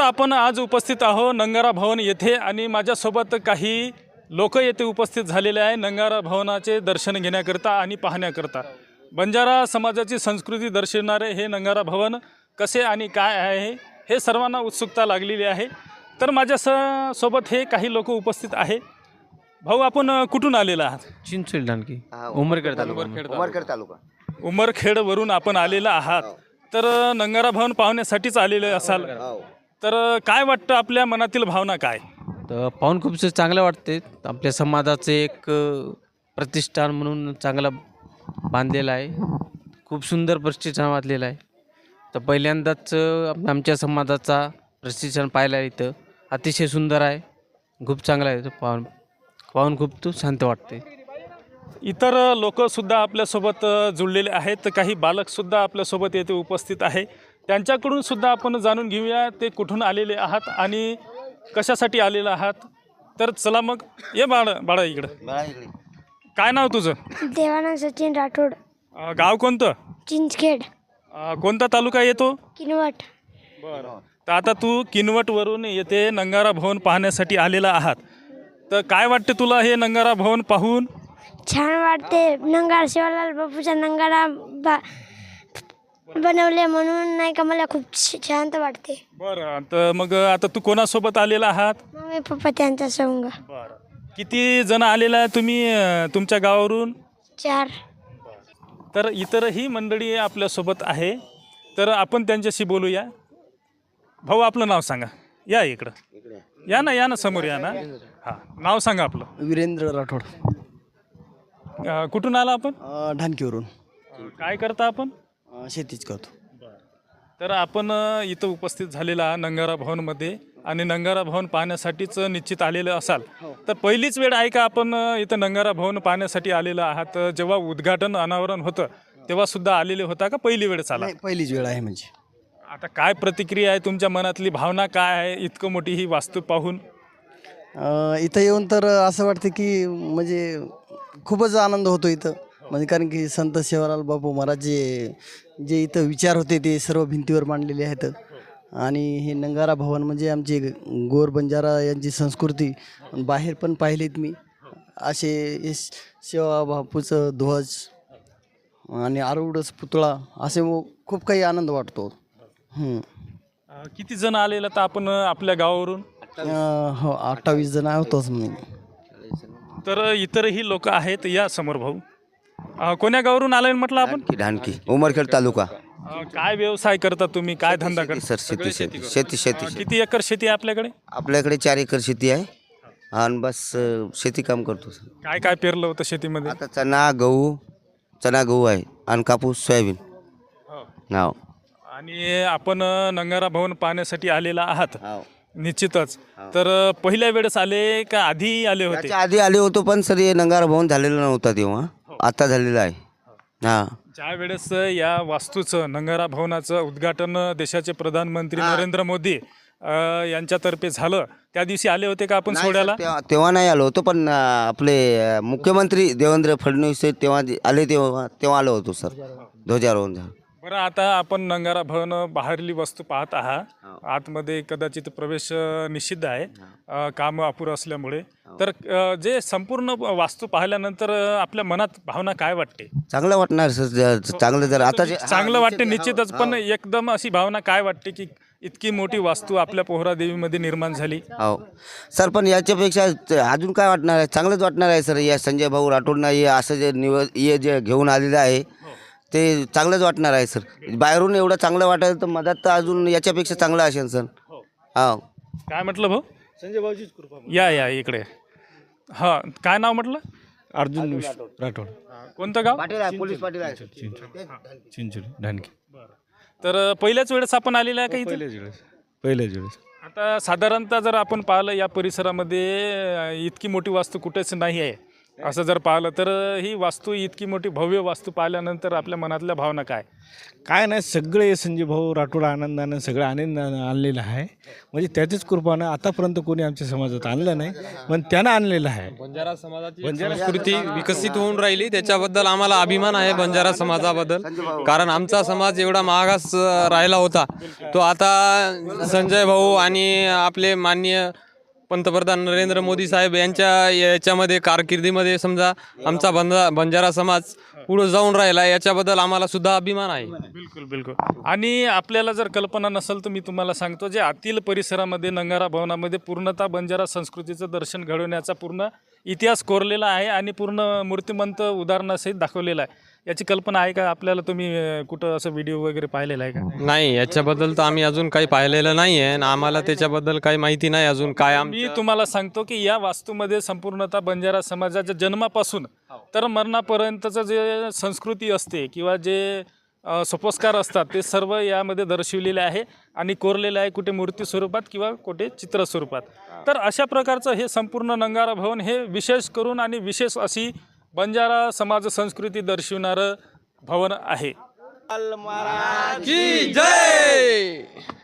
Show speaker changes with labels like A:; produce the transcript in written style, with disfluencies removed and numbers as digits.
A: आपण आज उपस्थित आहोत नंगारा भवन येथे आणि माझ्यासोबत काही लोक येथे उपस्थित झालेले आहे नंगारा भवनाचे दर्शन घेण्याकरता आणि पाहण्याकरता। बंजारा समाजाची संस्कृती दर्शवणारे हे नंगारा भवन कसे आणि काय आहे हे सर्वांना उत्सुकता लागलेली आहे। तर माझ्या सोबत हे काही लोक उपस्थित आहे। भाऊ, आपण कुठून आलेला आहात?
B: चिंचोली ढानकी उमरखेड तालुका
C: उमरखेड तालुका
A: उमरखेडवरून आपण आलेला आहात। तर नंगारा भवन पाहण्यासाठीच आलेले असाल, तर काय वाटतं, आपल्या मनातील भावना काय?
B: तर पाहून खूप चांगलं वाटते। आपल्या समाजाचे एक प्रतिष्ठान म्हणून चांगलं बांधलेलं आहे, खूप सुंदर प्रतिष्ठान वाचलेलं आहे। तर पहिल्यांदाच आमच्या समाजाचा प्रतिष्ठान पाहिला इथं, अतिशय सुंदर आहे, खूप चांगलं आहे। पाहून खूप शांत वाटते।
A: इतर लोकसुद्धा आपल्यासोबत जुळलेले आहेत, काही बालकसुद्धा आपल्यासोबत येथे उपस्थित आहे। त्यांच्याकडून सुद्धा आपण जाणून घेऊया ते कुठून आलेले आहात आणि कशासाठी आलेले आहात। तर चला मग, ये बाळा इकडं। काय नाव तुझं?
D: देवानंद सचिन राठोड,
A: गाव कोणतं?
D: चिंचखेड,
A: कोणता तालुका येतो?
D: किनवट।
A: बरं, तर आता तू किनवटवरून येथे नंगारा भवन पाहण्यासाठी आलेला आहात, तर काय वाटते तुला हे नंगारा भवन पाहून?
D: छान वाटते। नंगारा शिवलाल बापूचा नंगारा बनवले म्हणून नाही का, मला खूप शांत वाटते।
A: बरं, तर मग आता तू कोणासोबत आलेला आहात?
D: मम्मी पप्पा त्यांच्या संग।
A: बरं, किती जण आलेला आहे तुम्ही तुमच्या गावावरून?
D: 4।
A: तर इतरही मंडळी आपल्यासोबत आहे, तर आपण त्यांच्याशी बोलूया। भाऊ, आपलं नाव सांगा। या इकडं, या ना समोर या ना। हां, नाव सांगा आपलं।
E: वीरेंद्र राठोड,
A: कुठून आला आपण?
E: ढानकीवरून।
A: काय करता आपण?
E: शेतीच करतो।
A: तर आपण इथं उपस्थित झालेला नंगारा भवनमध्ये आणि नंगारा भवन पाहण्यासाठीच निश्चित आलेलं असाल, तर पहिलीच वेळ आहे का आपण इथं नंगारा भवन पाहण्यासाठी आलेलं आहात? जेव्हा उद्घाटन अनावरण होतं तेव्हा सुद्धा आलेले होता का पहिली वेळ आला?
E: पहिलीच वेळ आहे। म्हणजे
A: आता काय प्रतिक्रिया आहे, तुमच्या मनातली भावना काय आहे इतकं मोठी ही वास्तू पाहून?
E: इथं येऊन तर असं वाटतं की म्हणजे खूपच आनंद होतो इथं। म्हणजे कारण की संत सेवालाल बापू महाराज जे इथं विचार होते ते सर्व भिंतीवर मांडलेले आहेत। आणि हे नंगारा भवन म्हणजे आमची गोर बंजारा यांची संस्कृती बाहेर पण पाहिलीत मी, असे हे सेवा बापूचं ध्वज आणि आरूढच पुतळा, असे खूप काही आनंद वाटतो।
A: किती जण आलेला तर आपण आपल्या गावावरून?
E: हो, 28 जण होतोच मी।
A: तर इतरही लोक आहेत। या समोर भाऊ, कोण्या गावावरून आलाय म्हटलं आपण?
C: ढानकी उमरखेड तालुका।
A: काय व्यवसाय करता तुम्ही, काय धंदा करता?
C: सर शेती
A: किती एकर शेती आहे आपल्याकडे?
C: आपल्याकडे 4 एकर शेती आहे आणि बस शेती काम करतो सर।
A: काय काय पेरलं होतं शेतीमध्ये?
C: आता चना गहू आहे आणि कापूस सोयाबीन। हो,
A: आणि आपण नंगारा भवन पाहण्यासाठी आलेला आहात निश्चितच। तर पहिल्या वेळेस आले का आधी आले होते?
C: त्याच्या आधी आले होतो, पण सर हे नंगारा भवन झालेलं नव्हता तेव्हा, आता झालेलं आहे। हां,
A: ज्या वेळेस या वास्तूचं नंगारा भवनाचं उद्घाटन देशाचे प्रधानमंत्री नरेंद्र मोदी यांच्यातर्फे झालं, त्या दिवशी आले होते का आपण सोहळ्याला?
C: तेव्हा नाही आलो होतो, पण आपले मुख्यमंत्री देवेंद्र फडणवीस तेव्हा आले, तेव्हा आलो होतो सर, ध्वजारोहण झालं।
A: बरं, आता आपण नंगारा भवन बाहेरली वस्तू पाहत आहात, आतमध्ये कदाचित प्रवेश निषिद्ध आहे काम अपुरं असल्यामुळे। तर जे संपूर्ण वास्तू पाहिल्यानंतर आपल्या मनात भावना काय वाटते?
C: चांगलं वाटणार सर, चांगलं जर आता
A: चांगलं वाटते निश्चितच, पण एकदम अशी भावना काय वाटते की इतकी मोठी वास्तू आपल्या पोहरादेवीमध्ये निर्माण झाली?
C: हो सर, पण याच्यापेक्षा अजून काय वाटणार आहे? चांगलंच वाटणार आहे सर। या संजय भाऊ राठोडना हे असं जे घेऊन आलेलं आहे ते चांगलंच वाटणार आहे सर। बाहेरून एवढं चांगलं वाटायचं तर मधात तर अजून याच्यापेक्षा चांगलं असेल सर। हो,
A: काय म्हटलं भाऊ? संजय भाऊचीच कृपा। या इकडे। हां, काय नाव म्हटलं?
B: अर्जुन राठोड,
A: कोणतं गाव?
C: पोलीस पाटील आहे
B: चिंचोली ढानकी।
A: तर पहिल्याच वेळेस आपण आलेलं आहे का इथे?
B: पहिल्याच वेळेस।
A: आता साधारणतः जर आपण पाहिलं या परिसरामध्ये इतकी मोठी वास्तू कुठेच नाही आहे, असं जर पाहिलं तर ही वास्तू इतकी मोठी भव्य वास्तू पाहिल्यानंतर आपल्या मनातल्या भावना काय?
F: काय नाही, सगळे संजय भाऊ राठोड आनंदानं सगळं आनंदानं आणलेलं आहे. म्हणजे त्याच्याच कृपानं आतापर्यंत कोणी आमच्या समाजात आणलं नाही, पण त्यानं आणलेलं आहे.
G: बंजारा समाजाची संस्कृती विकसित होऊन राहिली, त्याच्याबद्दल आम्हाला अभिमान आहे बंजारा समाजाबद्दल. कारण आमचा समाज एवढा मागास राहिला होता, तो आता संजय भाऊ आणि आपले माननीय पंतप्रधान नरेंद्र मोदी साहेब यांच्या याच्यामध्ये कारकिर्दीमध्ये समजा आमचा बंजारा समाज पुढे जाऊन राहिला, याच्याबद्दल आम्हाला सुद्धा अभिमान आहे.
A: बिलकुल बिलकुल. आणि आपल्याला जर कल्पना नसेल तर मी तुम्हाला सांगतो, जे आतील परिसरामध्ये नंगारा भवनामध्ये पूर्णतः बंजारा संस्कृतीचं दर्शन घडवण्याचा पूर्ण इतिहास कोरलेला आहे आणि पूर्ण मूर्तिमंत उदाहरणासहित दाखवलेला आहे. याची कल्पना आहे का आपल्याला? तुम्ही कुठं असं व्हिडिओ वगैरे पाहिलेला आहे का?
G: नाही, याच्याबद्दल तर आम्ही अजून काही पाहिलेलं नाही आहे आणि आम्हाला त्याच्याबद्दल काही माहिती नाही अजून काय.
A: मी तुम्हाला सांगतो की या वास्तूमध्ये संपूर्णतः बंजारा समाजाच्या जन्मापासून तर मरणापर्यंतचं जे संस्कृती असते किंवा जे सोपस्कार असतात ते सर्व यामध्ये दर्शविलेले आहे आणि कोरलेले आहे, कुठे मूर्ती स्वरूपात किंवा कुठे चित्र स्वरूपात. तर अशा प्रकारचं हे संपूर्ण नंगारा भवन हे विशेष करून आणि विशेष अशी बंजारा समाज संस्कृती दर्शविणारं भवन आहे.
G: की जय.